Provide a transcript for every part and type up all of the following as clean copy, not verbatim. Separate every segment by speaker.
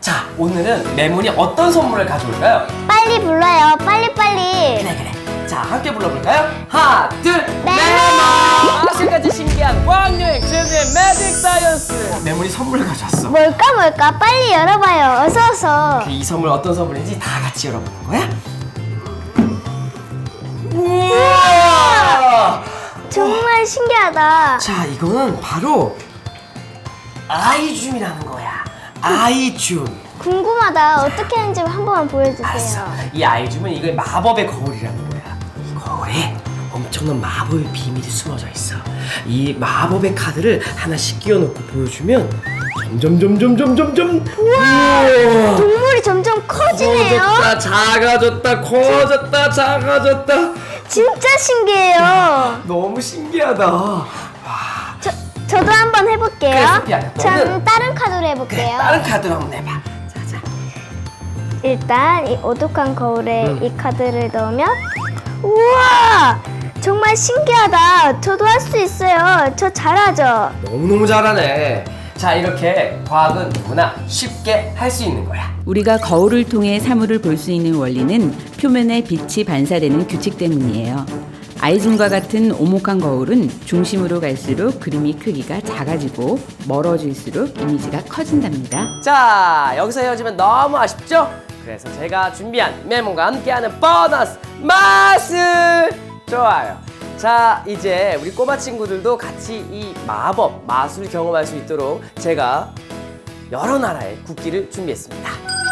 Speaker 1: 자, 오늘은 메몬이 어떤 선물을 가져올까요?
Speaker 2: 빨리 불러요. 빨리빨리.
Speaker 1: 그래. 자, 함께 불러볼까요? 하나, 둘,
Speaker 2: 메몬!
Speaker 1: 마술까지 신기한 과학여행 최우의 매직 사이언스. 메몬이 선물 가져왔어.
Speaker 2: 뭘까? 빨리 열어봐요. 어서.
Speaker 1: 이 선물 어떤 선물인지 다 같이 열어보는 거야? 우와!
Speaker 2: 정말 신기하다.
Speaker 1: 자, 이거는 바로 아이줌이라는 거야. 아이줌.
Speaker 2: 궁금하다. 어떻게 하는지 한 번만 보여주세요.
Speaker 1: 알았어. 이 아이줌은 이거 마법의 거울이라는 거야. 이 거울에 엄청난 마법의 비밀이 숨어져 있어. 이 마법의 카드를 하나씩 끼워놓고 보여주면 점점 우와!
Speaker 2: 동물이 점점 커지네요.
Speaker 1: 커졌다, 작아졌다, 작아졌다.
Speaker 2: 진짜 신기해요.
Speaker 1: 너무 신기하다.
Speaker 2: 저도 한번 해볼게요.
Speaker 1: 그래, 소피야.
Speaker 2: 전 다른 카드로
Speaker 1: 그래,
Speaker 2: 해볼게요.
Speaker 1: 다른 카드로 한번 해봐. 자.
Speaker 2: 일단 이 오독한 거울에 이 카드를 넣으면 우와! 정말 신기하다. 저도 할 수 있어요. 저 잘하죠?
Speaker 1: 너무너무 잘하네. 자, 이렇게 과학은 누구나 쉽게 할 수 있는 거야.
Speaker 3: 우리가 거울을 통해 사물을 볼 수 있는 원리는 표면에 빛이 반사되는 규칙 때문이에요. 아이줌과 같은 오목한 거울은 중심으로 갈수록 그림이 크기가 작아지고 멀어질수록 이미지가 커진답니다.
Speaker 1: 자, 여기서 헤어지면 너무 아쉽죠? 그래서 제가 준비한 메몬과 함께하는 보너스 마술! 좋아요. 자, 이제 우리 꼬마 친구들도 같이 이 마법, 마술 경험할 수 있도록 제가 여러 나라의 국기를 준비했습니다.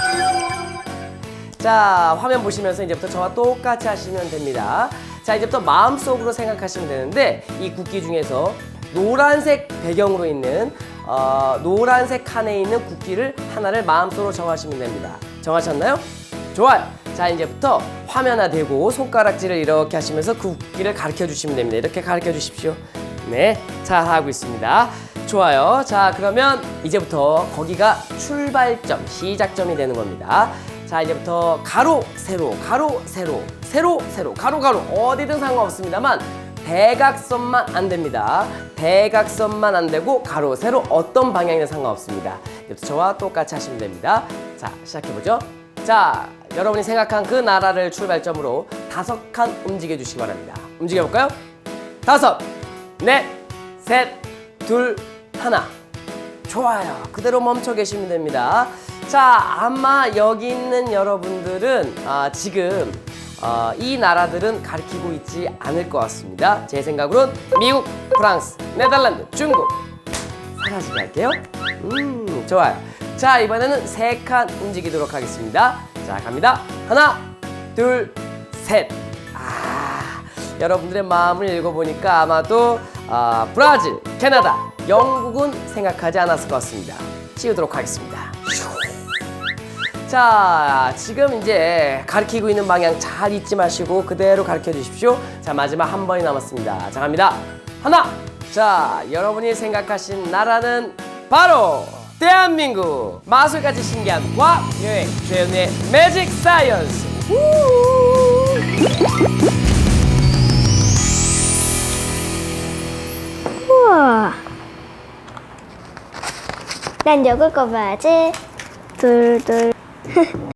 Speaker 1: 자, 화면 보시면서 이제부터 저와 똑같이 하시면 됩니다. 자, 이제부터 마음속으로 생각하시면 되는데 이 국기 중에서 노란색 배경으로 있는 노란색 칸에 있는 국기를 하나를 마음속으로 정하시면 됩니다. 정하셨나요? 좋아요. 자, 이제부터 화면화 대고 손가락질을 이렇게 하시면서 그 국기를 가르쳐 주시면 됩니다. 이렇게 가르쳐 주십시오. 네, 잘 하고 있습니다. 좋아요. 자, 그러면 이제부터 거기가 출발점, 시작점이 되는 겁니다. 자, 이제부터 가로, 세로, 가로, 세로, 세로, 세로, 가로, 가로 어디든 상관없습니다만 대각선만 안 됩니다. 대각선만 안 되고 가로, 세로 어떤 방향이든 상관없습니다. 이제부터 저와 똑같이 하시면 됩니다. 자, 시작해보죠. 자, 여러분이 생각한 그 나라를 출발점으로 5칸 움직여 주시기 바랍니다. 움직여볼까요? 5, 넷, 셋, 둘, 하나. 좋아요. 그대로 멈춰 계시면 됩니다. 자, 아마 여기 있는 여러분들은 지금 이 나라들은 가리키고 있지 않을 것 같습니다. 제 생각으론 미국, 프랑스, 네덜란드, 중국 사라지게 할게요. 좋아요. 자, 이번에는 3칸 움직이도록 하겠습니다. 자, 갑니다. 하나, 둘, 셋. 여러분들의 마음을 읽어보니까 아마도 브라질, 캐나다, 영국은 생각하지 않았을 것 같습니다. 치우도록 하겠습니다. 자, 지금 이제 가리키고 있는 방향 잘 잊지 마시고 그대로 가르쳐 주십시오. 자, 마지막 한 번이 남았습니다. 자, 갑니다. 하나. 자, 여러분이 생각하신 나라는 바로 대한민국. 마술까지 신기한 과학 여행 최은의 매직 사이언스.
Speaker 2: 우와. 난 여길 거 봐야지. 둘.